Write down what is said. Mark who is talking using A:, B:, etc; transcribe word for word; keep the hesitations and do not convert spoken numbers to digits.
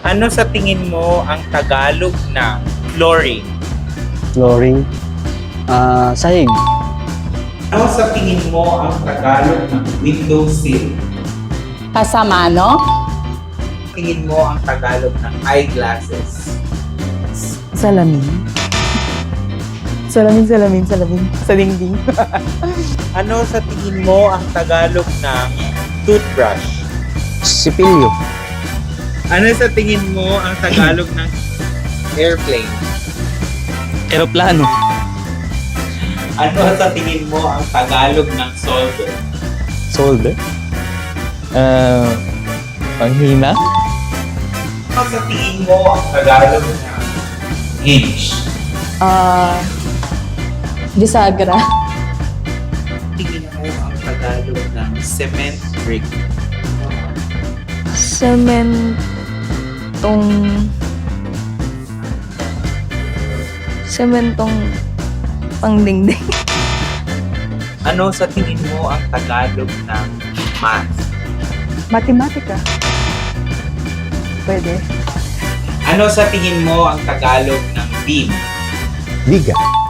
A: Ano sa tingin mo ang Tagalog na flooring?
B: Flooring. Ah, sahig.
A: Ano sa tingin mo ang Tagalog ng windowsill?
C: Pasamano?
A: Tingin mo ang Tagalog ng eyeglasses?
C: Salamin. Salamin, salamin, salamin. Sa dingding.
A: Ano sa tingin mo ang Tagalog ng toothbrush?
B: Sipilyo.
A: Ano sa tingin mo ang Tagalog ng airplane?
B: Eroplano.
A: Ano sa tingin mo ang Tagalog ng solver?
B: Solder. Ah, panghina.
A: Ano sa tingin mo ang Tagalog ng hinge?
C: Ah... bisagra.
A: Tingin mo ang Tagalog ng cement brick?
C: Sementong... Sementong... pangdingding.
A: Ano sa tingin mo ang Tagalog ng math?
C: Matematika. Pwede.
A: Ano sa tingin mo ang Tagalog ng beam?
B: Liga.